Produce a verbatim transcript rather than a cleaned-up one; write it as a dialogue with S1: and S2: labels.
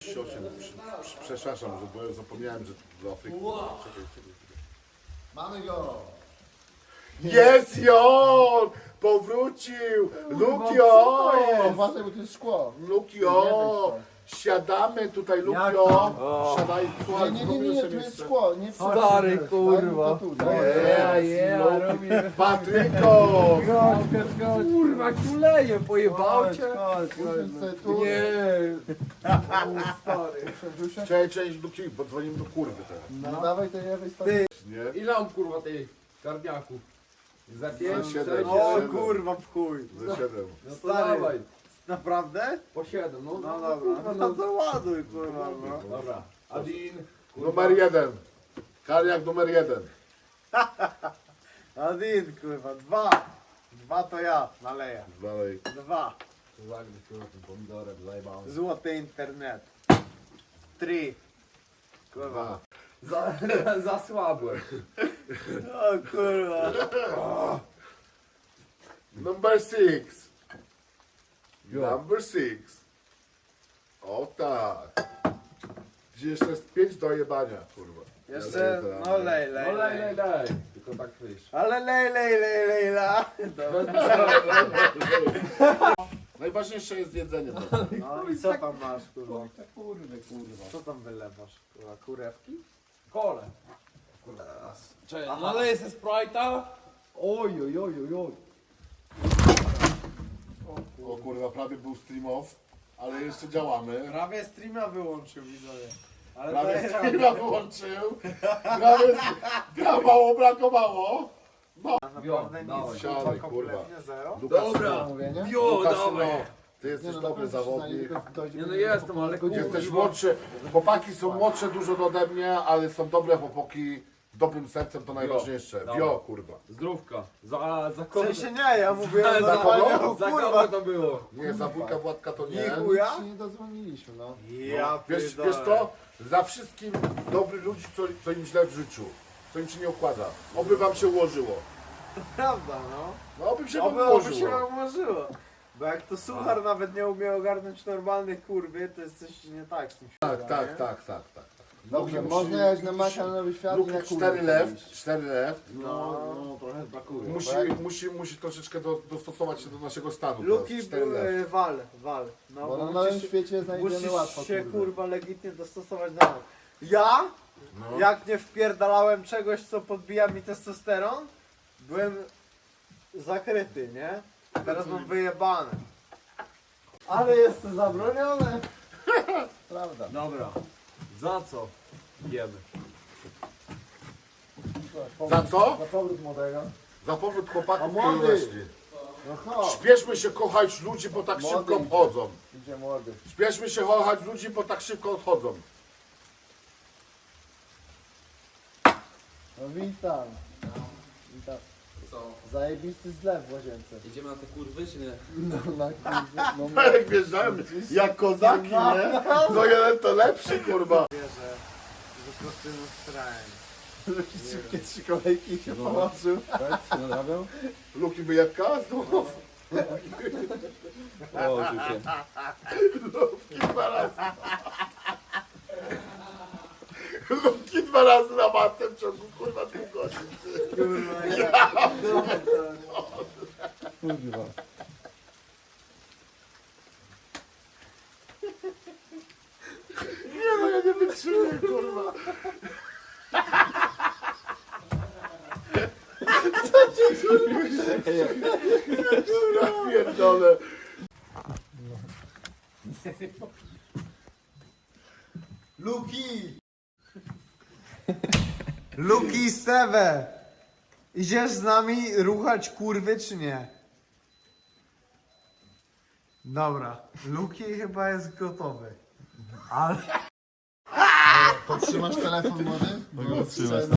S1: trzydzieści osiem. Przepraszam, że bo ja zapomniałem, że do Afryki. Czekaj, czekaj.
S2: Mamy go!
S1: Jest Jon! Powrócił! Lukio!
S2: Uważaj, bo to jest szkło.
S1: Lukio! Siadamy tutaj, Lukio! Siadaj, słuchaj,
S2: Nie, nie, nie, nie, tu jest szkło. Nie
S3: Stary, kurwa.
S1: Jest, Luk- Patryko!
S3: Kurwa, kuleje, pojebał cię? Nie.
S1: Cześć, cześć, Luki, bo dzwonimy do kurwy teraz.
S2: No dawaj to lewej strony.
S1: Nie?
S3: Ile mam kurwa tych karniaków? Za pięć,
S1: Za siedem.
S3: sześć,
S4: O
S1: Siedem.
S4: kurwa w chuj.
S1: Ze siedem.
S3: No to
S4: Stary.
S3: dawaj.
S4: Naprawdę?
S3: Po siedem, no.
S4: No
S3: no,
S4: dobra,
S3: kurwa,
S4: no
S3: no.
S4: to ładuj kurwa no.
S3: Dobra. Adin. kurwa.
S1: Numer jeden. Karniak numer jeden.
S4: Adin kurwa, dwa. Dwa to ja naleję.
S1: Dalej.
S4: Dwa.
S3: Zagryź kurwa tym pomidorem, zajebałem.
S4: Złoty internet. Trzy. Kurwa.
S1: Dwa.
S3: Za, za słabłem.
S4: O kurwa.
S1: Number six.
S3: Jo.
S1: Number six. O tak. Gdzie jeszcze jest pięć do jebania, kurwa.
S4: Jeszcze,
S1: Ja daję
S4: no
S1: teraz.
S4: lej, lej,
S3: No lej, lej,
S4: lej.
S3: lej. Tylko tak wyjść.
S4: Ale lej, lej, lej, lej, la.
S1: Najważniejsze jest jedzenie.
S4: No i co tam masz kurwa?
S2: Kurwy, kurwa.
S4: Co tam wylewasz kurwa? Kurewki?
S3: Kole. Czekaj, naleję se Sprite'a. Oj, oj, oj, oj, oj.
S1: O kurwa, prawie był stream off, ale jeszcze działamy.
S4: Prawie streama wyłączył widzowie. Ale
S1: Prawie
S4: daję
S1: streama
S4: radę.
S1: wyłączył. Prawie brakowało, brakowało.
S4: Naprawdę
S3: dawaj.
S4: nic,
S1: Siadaj,
S4: kurwa,
S1: kurwa.
S4: kompletnie zero.
S1: Lukas,
S3: Dobra.
S2: Mówię, nie?
S3: Jo,
S1: Lukas,
S3: dawaj.
S1: no, ty jesteś
S2: no,
S1: dobry
S2: naprawdę
S1: zawodnik.
S2: przynajmniej dojdzie
S3: Nie no
S2: do-
S3: jestem, ale kurwa.
S1: Jesteś młodszy. Chłopaki są młodsze dużo ode mnie, ale są dobre chłopaki. Dobrym sercem to najważniejsze.
S3: Dobra.
S1: Wio, kurwa.
S3: Zdrówka. Za, za
S4: W
S3: kogo?
S4: sensie nie, ja mówię
S3: za,
S4: o
S3: za,
S4: zapaleniu,
S3: kogo? za kogo
S4: kurwa.
S3: to było?
S1: Nie, za wujka Władka to nie.
S4: Nie, chuja?
S2: Nic się nie dodzwoniliśmy, no.
S4: Ja
S1: Wiesz,
S4: pierdolę.
S1: wiesz co? Za wszystkim dobrych ludzi, co, co im źle w życiu. Co im się nie układa. Oby wam się ułożyło.
S4: Prawda, no.
S1: No oby się wam
S4: Oby, oby się
S1: ułożyło.
S4: wam ułożyło. Bo jak to suchar nawet nie umie ogarnąć normalnej kurwy, to jest coś nie tak z tym
S1: Tak,
S4: światem,
S1: tak,
S4: nie?
S1: tak, tak, tak.
S2: Dobrze,
S1: Luki
S2: można
S1: musi-
S2: jechać na Macia na Nowy Świat i
S1: Luki
S2: na kurwy.
S1: cztery lew,
S2: iść.
S1: cztery lew.
S3: No, no trochę brakuje.
S1: Musi, musi, musi troszeczkę do, dostosować się do naszego stanu.
S4: Luki
S1: teraz. Cztery lew.
S4: były wal, wal. No,
S2: Bo na
S4: musisz-
S2: nowym świecie znajdziemy
S4: Musisz
S2: łatwo
S4: się
S2: kurwy.
S4: kurwa legitnie dostosować do nas. Ja,
S1: No.
S4: jak nie wpierdalałem czegoś, co podbija mi testosteron, byłem zakryty, nie? Teraz mam wyjebane. Ale jest to zabronione.
S2: Prawda.
S3: Dobra. Za co? Jemy.
S1: Za co?
S2: Za powrót młodego.
S1: Za powrót chłopaków
S2: A młody!
S1: piętnaście.
S2: No chodź.
S1: Śpieszmy się kochać ludzi, bo tak
S2: Młody
S1: szybko
S2: idzie.
S1: odchodzą.
S2: Idzie młody.
S1: Śpieszmy się kochać ludzi, bo tak szybko odchodzą.
S2: No witam. Witam.
S3: Co?
S2: Zajebisty zlew w łazience.
S3: Idziemy na te kurwy, czy nie?
S2: No na kurwy. No, no.
S1: Jak wjeżdżałem, jak kozaki, nie? No jeden to lepszy, kurwa.
S4: Wierzę, że po prostu strałem.
S2: Szybkie trzy kolejki się połączył.
S1: Luki wyjebka znów.
S3: O, tu się.
S1: Luki dwa razy. Luki dwa razy na matę w ciągu, kurwa, dwóch godzin.
S4: Kurwa, ja.
S2: Kurwa.
S1: Nie no, ja nie wytrzymam, kurwa. Co ci kurwa? Ja pierdolę.
S4: Luki! Luki Steve! Idziesz z nami ruchać kurwy czy nie? Dobra, Luki chyba jest gotowy. Ale...
S2: Podtrzymasz telefon młody? Bo